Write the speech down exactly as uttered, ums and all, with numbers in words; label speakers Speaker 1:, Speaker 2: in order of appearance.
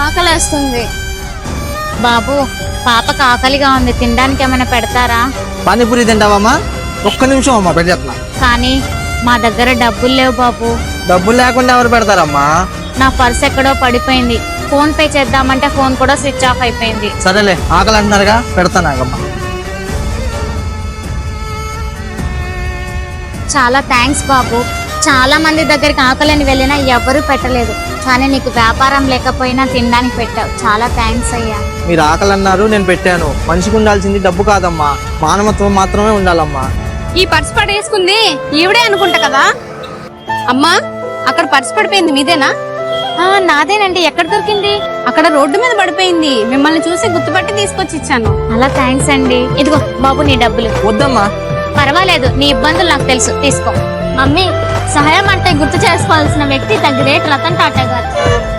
Speaker 1: ఆకలేస్తుంది.
Speaker 2: బాబు, పాపకు ఆకలిగా ఉంది, తినడానికి ఏమైనా పెడతారా?
Speaker 3: పానీపూరి తింటావమ్మా? ఒక్క నిమిషం అమ్మా పెట్టేస్తున్నా.
Speaker 2: కానీ మా దగ్గర డబ్బులు లేవు బాబు.
Speaker 3: డబ్బులు లేకుండా ఎవరు పెడతారమ్మా?
Speaker 2: నా పర్స్ ఎక్కడో పడిపోయింది. ఫోన్ పే చేద్దామంటే ఫోన్ కూడా స్విచ్ ఆఫ్ అయిపోయింది.
Speaker 3: సరేలే, ఆకలి అంటున్నారుగా, పెడతాను ఆగమ్మా.
Speaker 2: చాలా థ్యాంక్స్ బాబు. చాలా మంది దగ్గరికి ఆకలిని వెళ్ళినా ఎవ్వరూ పెట్టలేదు, కానీ నీకు వ్యాపారం లేకపోయినా తినడానికి పెట్టావు. చాలా థ్యాంక్స్ అయ్యా.
Speaker 3: మీరు ఆకలి అన్నారు, నేను పెట్టాను. మనిషికి ఉండాల్సింది డబ్బు కాదమ్మా, మానవత్వం మాత్రమే ఉండాలమ్మా.
Speaker 1: ఈ పర్స్ పడేసుకుంది ఈవిడే అనుకుంటా కదా. అమ్మా, అక్కడ పర్స్ పడిపోయింది, మీదేనా?
Speaker 2: ఆ, నాదేనండి. ఎక్కడ దొరికింది?
Speaker 1: అక్కడ రోడ్డు మీద పడిపోయింది. మిమ్మల్ని చూసి గుర్తుపట్టి తీసుకొచ్చి ఇచ్చాను.
Speaker 2: అలా థ్యాంక్స్ అండి. ఇదిగో బాబు నీ డబ్బులు.
Speaker 3: వద్దమ్మా.
Speaker 2: పర్వాలేదు, నీ ఇబ్బందులు నాకు తెలుసు, తీసుకో. మమ్మీ, సహాయం అంటే గుర్తు చేసుకోవాల్సిన వ్యక్తి ద గ్రేట్ రతన్ టాటా గారు.